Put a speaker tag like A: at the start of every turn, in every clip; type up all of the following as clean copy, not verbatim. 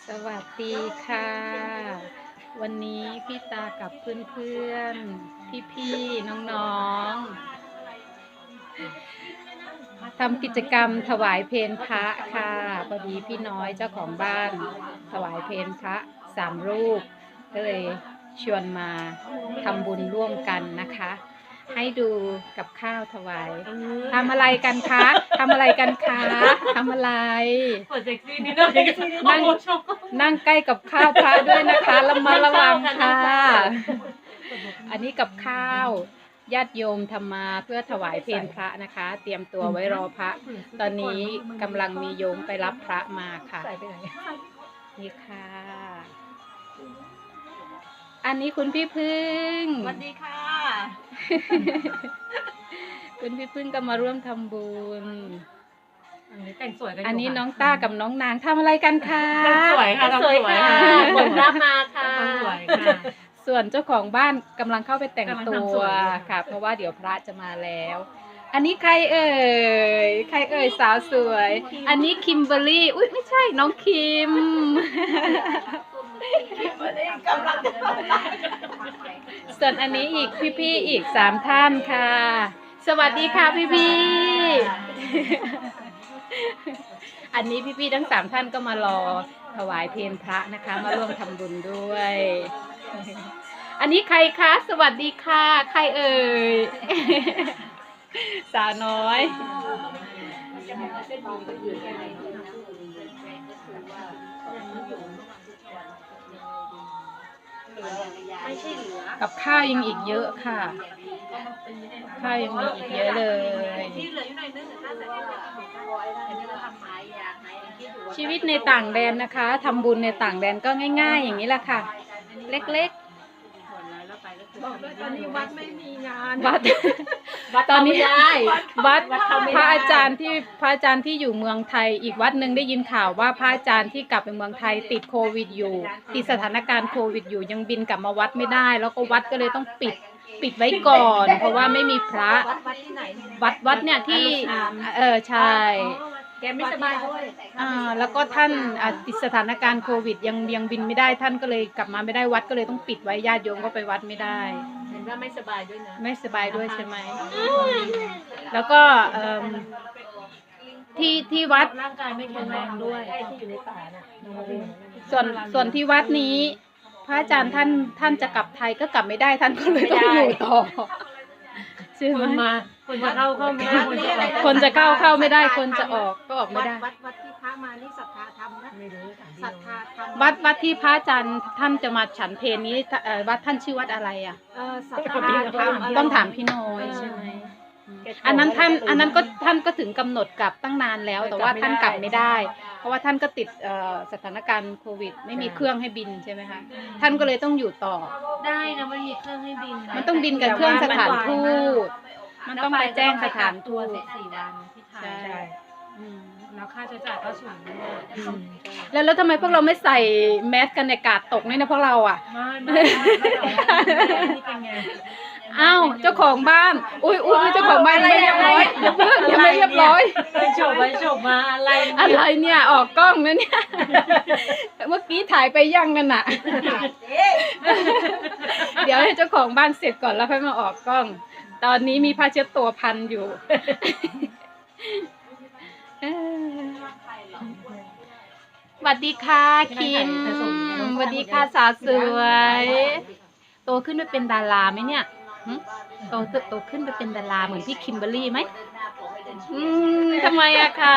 A: สวัสดีค่ะ วันนี้พี่ตากับเพื่อนๆพี่ๆน้องๆทำกิจกรรมถวายเพลพระค่ะพอดีพี่น้อยเจ้าของบ้านถวายเพลพระ3 รูปก็เลยชวนมาทำบุญร่วมกันนะคะ ให้ดูกับข้าวถวายทำอะไรกันคะทำอะไรกันคะทำอะไร
B: เปิดเซ็กซี่นิดนึง
A: นั่งใกล้กับข้าวพระด้วยนะคะระมัดระวังค่ะอันนี้กับข้าวญาติโยมทำมาเพื่อถวายเพลพระนะคะ เตรียมตัวไว้รอพระ ตอนนี้กำลังมีโยมไปรับพระมาค่ะนี่ค่ะ อันนี้คุณพี่พึ่ง
B: สวัสดีค่ะ
A: คุณพี่พึ่งก็มาร่วมทำบุญ
B: อันนี้แต่งสวยกัน
A: อันนี้น้องต้ากับน้องนางทำอะไรกันคะ
B: สวยค่ะสวยค่ะผลรับมาค่ะสวยค่ะ
A: ส่วนเจ้าของบ้านกำลังเข้าไปแต่งตั
B: กำลังทำส
A: ว
B: วย
A: ค่ะ เพราะว่าเดี๋ยวพระจะมาแล้ว อันนี้ใครเอ่ยใครเอ่ยสาวสวย อันนี้คิมเบอร์รี่อุ๊ยไม่ใช่น้องคิม ส่วนอันนี้อีกพี่ๆอีก3 ท่านค่ะ สวัสดีค่ะพี่ๆ อันนี้พี่ๆทั้ง3 ท่านก็มารอถวายเพลพระนะคะ มาร่วมทำบุญด้วย อันนี้ใครคะ สวัสดีค่ะ ใครเอ่ย สาวน้อย
B: ไม่ใช่เหลือ
A: กับข้าวยังอีกเยอะค่ะ ข้าวยังมีอีกเยอะเลย
B: ที่เหลืออยู่หน่อยนึงน่าจะได้
A: ชีวิตในต่างแดนนะคะทำบุญในต่างแดนก็ง่ายๆ อย่างนี้แหละค่ะ เล็กๆ
B: บอกด้วยตอนนี้วัดไม่มีงาน
A: วัดตอนนี้วัด
B: เข้าไม่ได้
A: พระอาจารย์ที่อยู่เมืองไทยอีกวัดหนึ่งได้ยินข่าวว่าพระอาจารย์ที่กลับไปเมืองไทยติดโควิดอยู่ติดสถานการณ์โควิดอยู่ยังบินกลับมาวัดไม่ได้ แล้วก็วัดก็เลยต้องปิดไว้ก่อน เพราะว่าไม่มีพระ
B: วัดที่ไหน
A: วัดเนี่ยที่ใช่
B: แกไม่สบายด้วย
A: แล้วก็ท่านติดสถานการณ์โควิดยังบินไม่ได้ท่านก็เลยกลับมาไม่ได้วัดก็เลยต้องปิดไว้ญาติโยมก็ไปวัดไม่ได้
B: เห็นว่าไม่สบายด้วยนะ
A: ไม่สบายด้วยใช่ไหมแล้วก็ที่วัด
B: ร่างกายไม่แข็งแรงด้วยที่อยู่ในป่าน่ะ
A: ส่วนที่วัดนี้ พระอาจารย์ท่านจะกลับไทยก็กลับไม่ได้ท่านก็เลยต้องอยู่ต่อใช่ไหม
B: คนจะเข้าไม่ได้
A: คนจะเข้าไม่ได้คนจะออกก็ออกไม่ได้
C: วัดที่พระมานี่ศรัทธาธรรมนะ
B: ไม่รู้
C: ศรัทธาธรรม
A: วัดที่พระอาจารย์ท่านจะมาฉันเพลนี้วัดท่านชื่อวัดอะไรอ่ะ
C: ศรัทธาธรรม
A: ต้องถามพี่น้อยใช่ไหมอันนั้นท่านก็ถึงกำหนดกลับตั้งนานแล้ว แต่ว่าท่านกลับไม่ได้ เพราะว่าท่านก็ติดสถานการณ์โควิด ไม่มีเครื่องให้บินใช่ไหมคะท่านก็เลยต้องอยู่ต่อ
B: ได้นะมันมีเครื่องให้บิน
A: มันต้องบินกับเครื่องสถานทูตมันต้องไปแจ้งสถานทูต
B: 14 วันที่ไทย
A: ใช่อืม
B: แล้วค่าใช้จ่ายก็สูงด้วย
A: แล้วทำไมพวกเราไม่ใส่แมสกันในกาดตกเนี่ยนะพวกเราอ่ะ
B: ไม่นี่เป็นไง
A: อ้าวเจ้าของบ้านอุ้ยเจ้าของบ้านยังไม่เรียบร้อยอย่าเพิ่งยังไม่เรียบร้อย
B: ไปโฉบมาอะไร
A: อะไรเนี่ยออกกล้องนะเนี่ย เมื่อกี้ถ่ายไปยังกันน่ะ เดี๋ยวให้เจ้าของบ้านเสร็จก่อนแล้วค่อยมาออกกล้อง ตอนนี้มีผ้าเช็ดตัวพันอยู่ สวัสดีค่ะคิมสวัสดีค่ะสาวสวยโตขึ้นไปเป็นดาราไหมเนี่ยหึโตขึ้นไปเป็นดาราเหมือนพี่คิมเบอร์รี่ไหมทำไมอะคะ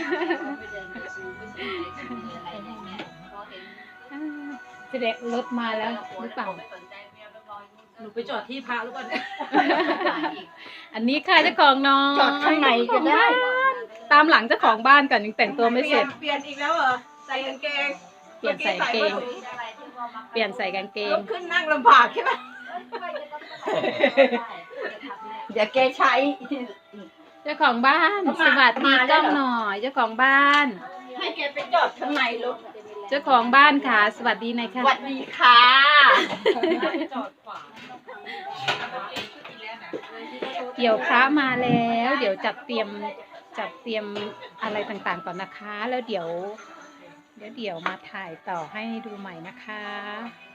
A: เสด็จรถมาแล้วหรือเปล่า
B: หนูไปจอดที่พระหรือเปล่า
A: อันนี้ค่ะเจ้าของน้อง
C: จอดข้างในก็ได้
A: ตามหลังเจ้าของบ้านก่อนยังแต่งตัวไม่เสร็จ
C: เปลี่ยนอีกแล้วเหรอ ใส่กางเกง
A: เปลี่ยนใส่กางเกง เปลี่ยนใส่กางเก
C: ลุ
A: ง
C: กขึ้นนั่งลำบากใช่ไหมเดี๋ยวแกใช้
A: เจ้าของบ้านสวัสดีกล้องหน่อยเจ้าของบ้าน
C: ให้แกไปจอดข้างในรถ
A: เจ้าของบ้านค่ะสวัสดีหน่อยค่ะ
C: สวัสดีค่ะ
B: จอดขวา
A: เดี๋ยวพระมาแล้ว เดี๋ยวจัดเตรียมอะไรต่างๆก่อนนะคะ แล้วเดี๋ยวเดี๋ยวมาถ่ายต่อให้ดูใหม่นะคะ